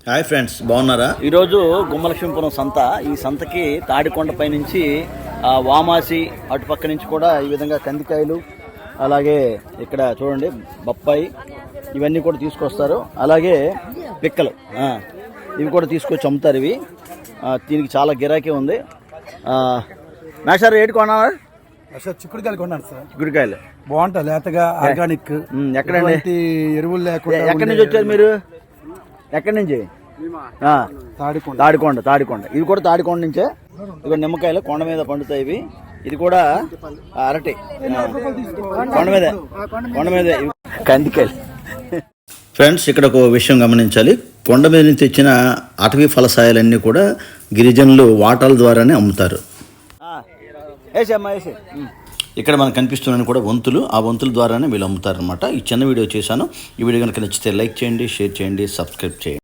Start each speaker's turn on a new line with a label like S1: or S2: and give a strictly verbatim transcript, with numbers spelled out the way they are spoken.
S1: Hi friends, బాగున్నారా? ఈరోజు గుమ్మలక్ష్మీపురం సంత. ఈ సంతకి తాడికొండపై నుంచి వామాసి అటుపక్క నుంచి కూడా ఈ విధంగా కందికాయలు, అలాగే ఇక్కడ చూడండి బొప్పాయి, ఇవన్నీ కూడా తీసుకొస్తారు. అలాగే పిక్కలు ఇవి కూడా తీసుకొచ్చి అమ్ముతారు. ఇవి దీనికి చాలా గిరాకీ ఉంది. మేషారు ఏడు కొన్నారు?
S2: చిక్కుడుకాయలు కొన్నాను సార్.
S1: చిక్కుడుకాయలు
S2: బాగుంటాయి, లేతగా ఆర్గానిక్.
S1: ఎక్కడండి?
S2: ఎరువులు లేకుండా.
S1: ఎక్కడి నుంచి వచ్చారు మీరు? ఎక్కడి నుంచి?
S2: తాడికొండ.
S1: తాడికొండ తాడికొండ ఇవి కూడా తాడికొండ నుంచే. ఇవి నిమ్మకాయలు కొండ మీద పండుతాయి. ఇవి ఇది కూడా అరటి కొండ మీద కొండ మీద కందికాయలు. ఫ్రెండ్స్, ఇక్కడ ఒక విషయం గమనించాలి. కొండ మీద నుంచి తెచ్చిన అటవీ ఫలసాయాలన్నీ కూడా గిరిజనులు వాటాల ద్వారానే అమ్ముతారు. ఇక్కడ మనకు కనిపిస్తున్నాయి కూడా వంతులు. ఆ వంతుల ద్వారానే వీళ్ళు అమ్ముతారు అనమాట. ఈ చిన్న వీడియో చేశాను. ఈ వీడియో కనుక నచ్చితే లైక్ చేయండి, షేర్ చేయండి, సబ్స్క్రైబ్ చేయండి.